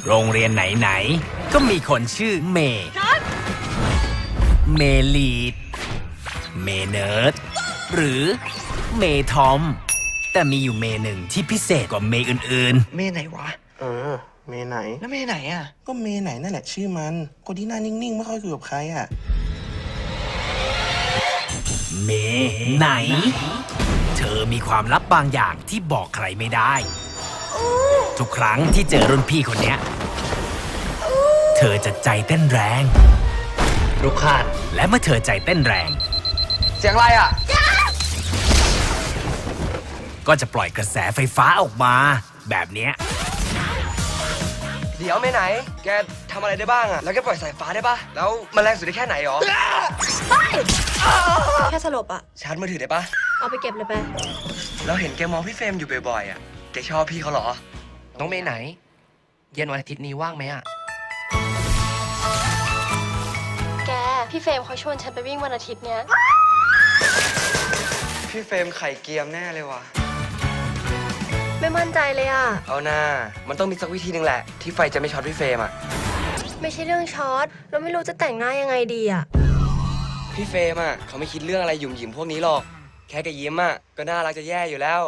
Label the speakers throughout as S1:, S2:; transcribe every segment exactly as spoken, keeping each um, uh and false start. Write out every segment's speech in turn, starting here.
S1: โรงเรียนไหนๆก็มีคนชื่อเมย์เมลีดเมเนิร์ดหรือเมทอมแต่มีอยู่เมหนึ่งที่พิเศษกว่าเมอื่นๆ
S2: เมไหนวะ
S3: เออ เมไหน
S2: แล้วเมไหนอ่ะ
S3: ก็เมไหนนั่นแหละชื่อมันคนที่หน้านิ่งๆไม่ค่อยคุยกับใครอ่ะ
S1: เมไหน เธอมีความลับบางอย่างที่บอกใครไม่ได้ ทุกครั้งที่เจอรุ่นพี่คนเนี้ยเธอจะใจเต้นแรงรุกขานและเมื่อเธอใจเต้นแรง
S2: เสียงอะไรอ่ะ
S1: ก็จะปล่อยกระแสไฟฟ้าออกมา แบบเนี้ย
S2: เดี๋ยวเมไหน แกทำอะไรได้บ้างอ่ะ แล้วแกปล่อยสายฟ้าได้ปะแล้วมันแรงสุดได้แค่ไหนหรอ
S4: แค่สลบอะ
S2: ชาร์จมือถือได้ปะ
S4: เอาไปเก็บเลยไป
S2: เราเห็นแกมองพี่เฟรมอยู่บ่อยๆอ่ะ แกชอบพี่เขาเหรอ
S5: น้องเมย์ไหน เย็นวันอาทิตย์นี้ว่างไหมอะ
S4: แก พี่เฟรมเขาชวนฉันไปวิ่งวันอาทิตย์เนี้ย
S2: พี่เฟรมไข่เกียมแน่เลยว่ะ
S4: ไม่มั่นใจเลยอะ
S2: เอาหน้า มันต้องมีสักวิธีหนึ่งแหละ ที่ไฟจะไม่ช็อตพี่เฟรมอ่ะ
S4: ไม่ใช่เรื่องช็อตเราไม่รู้จะแต่งหน้ายังไงดีอะ
S2: พี่เฟรมอ่ะเขาไม่คิดเรื่องอะไรหยุ่มหยิมพวกนี้หรอก แค่แกยิ้มอ่ะก็น่ารักจะแย่อยู่แล้ว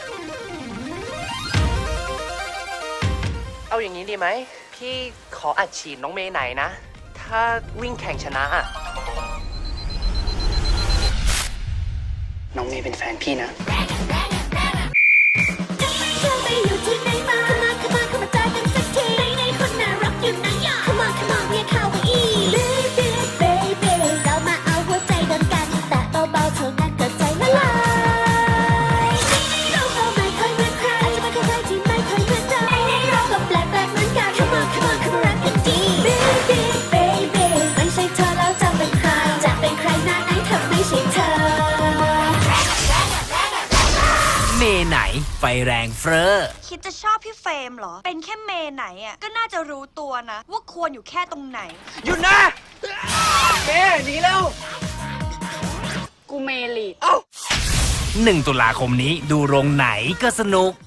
S5: เอาอย่างนี้ดีไหม พี่ขออัดฉีดน้องเมย์ไหนนะ ถ้าวิ่งแข่งชนะอะน้องเมย์เป็นแฟนพี่นะ
S6: ไปอยู่ที่ไหนมาเข้ามาเข้ามาเข้ามาเจอกันสักทีไหนๆคนน่ารักอยู่ไหนอ่ะ Come on Come on เรียกเขาว่าอี Baby Baby เรามาเอาหัวใจโดนกันแต่เบาๆเท่านั้นก็ใจละลายเราก็ไม่เคยเหมือนใครอาจจะไม่เคยใครที่ไม่เคยเหมือนเราเราก็แปลกแปลกเหมือนกัน Come on Come on เข้ามารักกันดี Baby Baby ไม่ใช่เธอแล้วจะเป็นใครจะเป็นใครหน้าไหนเธอไม่ใช่เธอ
S1: เมไหนไฟแรงเฟ้อ
S7: คิดจะชอบพี่เฟรมเหรอ เป็นแค่เมไหนอ่ะ ก็น่าจะรู้ตัวนะ ว่าควรอยู่แค่ตรงไหน
S2: หยุดนะ เมหนีแล้ว
S4: กูเมลีด
S1: หนึ่งตุลาคมนี้ดูโรงไหนก็สนุก